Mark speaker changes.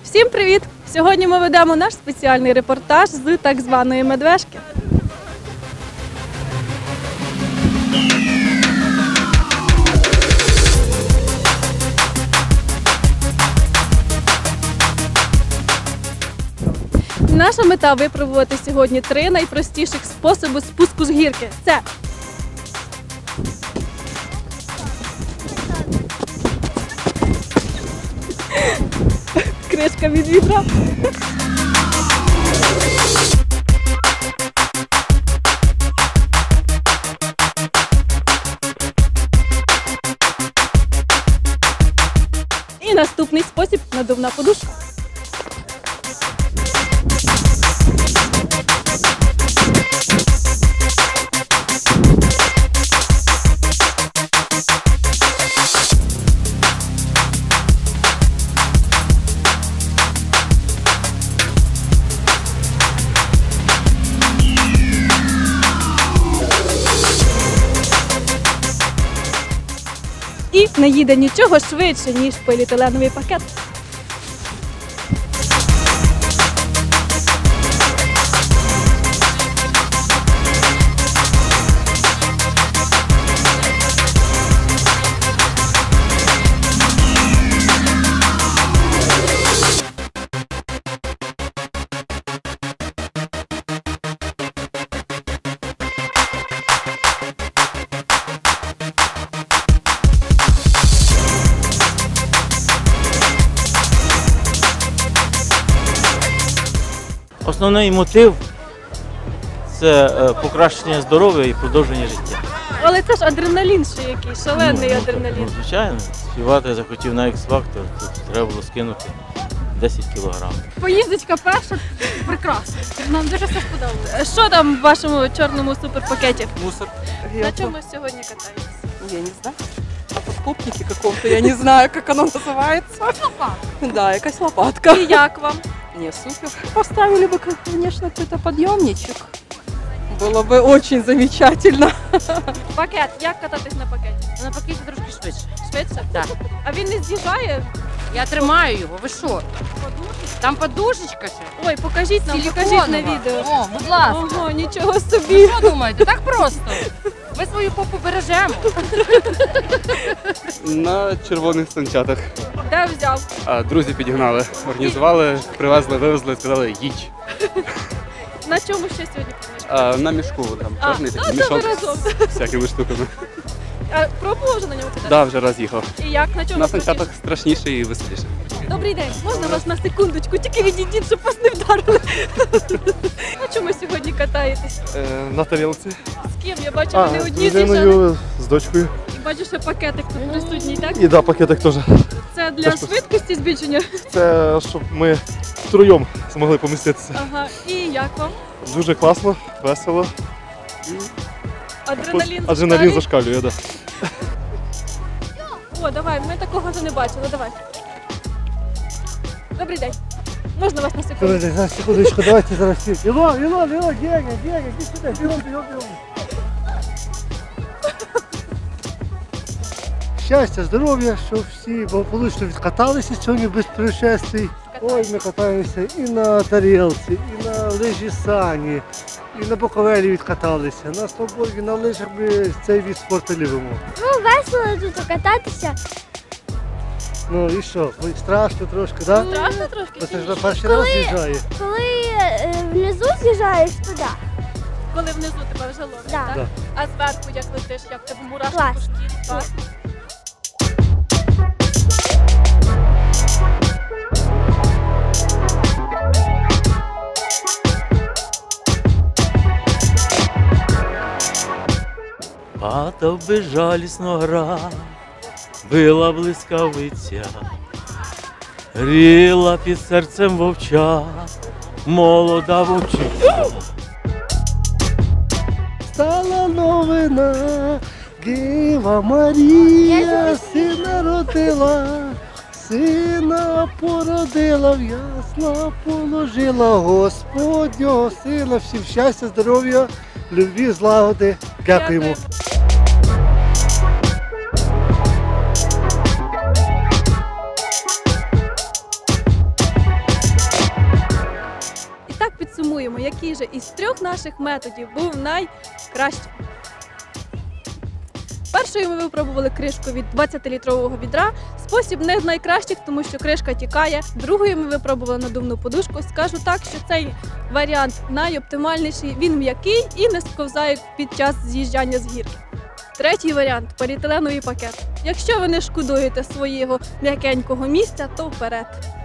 Speaker 1: Всім привіт! Сьогодні ми ведемо наш спеціальний репортаж з так званої Медвежки. Наша мета – випробувати сьогодні 3 найпростіших способи спуску з гірки. Це кришка від вітра. І наступний спосіб – надувна подушка. І не їде нічого швидше, ніж поліетиленовий пакет.
Speaker 2: Основний мотив – це покращення здоров'я і продовження життя.
Speaker 1: Але це ж адреналін ще якийсь, шалений адреналін.
Speaker 2: Звичайно, співати захотів на X-Factor, тут треба було скинути 10 кілограм.
Speaker 1: Поїздочка перша прекрасна. Нам дуже все сподобалося. Що там в вашому чорному суперпакеті?
Speaker 2: Мусор.
Speaker 1: На чому сьогодні катаєтесь?
Speaker 3: Я не знаю. А подкопники какого-то, я не знаю, как оно называется.
Speaker 1: Лопатка.
Speaker 3: Да, якась лопатка.
Speaker 1: І як вам?
Speaker 3: Не, супер. Поставили бы, конечно, какой-то подъемничек. Было бы очень замечательно.
Speaker 1: Пакет. Як кататись на пакеті?
Speaker 4: На пакеті трошки швидше.
Speaker 1: Швидше?
Speaker 4: Так.
Speaker 1: А він не з'їжджає?
Speaker 4: Я тримаю його, ви що? Там подушечка ще.
Speaker 1: Ой, покажіть нам, покажіть на
Speaker 4: Силіконова.
Speaker 1: відео.
Speaker 4: О, будь ласка.
Speaker 1: Ого, нічого собі.
Speaker 4: Що думаєте? Так просто. Ми свою попу бережемо.
Speaker 5: На червоних санчатах.
Speaker 1: Де взяв?
Speaker 5: Друзі підігнали, організували, привезли, вивезли, сказали їдь.
Speaker 1: На чому ще сьогодні катаєш?
Speaker 5: На мішку, там чорний такий
Speaker 1: то ви
Speaker 5: мішок
Speaker 1: разом.
Speaker 5: з всякими штуками.
Speaker 1: А пробував вже на ньому кататися?
Speaker 5: Да, вже раз їхав.
Speaker 1: І як? На чому?
Speaker 5: На санчатах страшніше і веселіше.
Speaker 1: Добрий день, можна вас на секундочку? Тільки відійдіть, щоб вас не вдарили. На чому сьогодні катаєтесь?
Speaker 6: На тарілці.
Speaker 1: З ким? Я бачу, ви не
Speaker 6: З
Speaker 1: одні з'їжджали.
Speaker 6: людиною, з дочкою.
Speaker 1: І бачу, що пакетик тут присутній, так?
Speaker 6: І да, пакетик теж.
Speaker 1: Це для
Speaker 6: Теж
Speaker 1: швидкості збільшення?
Speaker 6: Це щоб ми втроєм змогли поміститися.
Speaker 1: Ага. І як вам?
Speaker 6: Дуже класно, весело.
Speaker 1: Адреналін
Speaker 6: зашкалює, да.
Speaker 1: О, давай, ми такого вже не бачили, давай. Добрий день. Можна вас на секунду?
Speaker 7: Зараз, секундочку, давайте зараз всі. Ілон, Геня, іди сюди, бігом. Щастя, здоров'я, щоб всі благополучно відкаталися сьогодні без происшествий. Ой, ми катаємося і на тарілці, і на лижі сані, і на боковелі відкаталися. На сноуборді, на лижах ми цей від спорту любимо.
Speaker 8: Ну, весело тут кататися.
Speaker 7: Ну і що, страшно трошки, так? Да?
Speaker 1: Страшно трошки?
Speaker 7: Бо це ж на перший раз з'їжджає.
Speaker 8: Коли внизу з'їжджаєш туди.
Speaker 1: Коли внизу тебе вже ловить,
Speaker 8: Да.
Speaker 1: так?
Speaker 7: Да.
Speaker 1: А зверху як летиш, як тебе мурашки
Speaker 8: Клас.
Speaker 1: по шкірі, так?
Speaker 2: Падав безжалісно град, била блискавиця, гріла під серцем вовча, молода вовчиця.
Speaker 7: Стала новина, Діва Марія сина родила, сина породила, в ясла положила Господнього сина. Всім щастя, здоров'я, любві, злагоди. Дякуємо.
Speaker 1: з'ясуємо, який же із 3 наших методів був найкращим. Першою ми випробували кришку від 20-літрового відра. Спосіб не з найкращих, тому що кришка тікає. Другою ми випробували надувну подушку. Скажу так, що цей варіант найоптимальніший. Він м'який і не сковзає під час з'їжджання з гірки. Третій варіант – поліетиленовий пакет. Якщо ви не шкодуєте свого м'якенького місця, то вперед.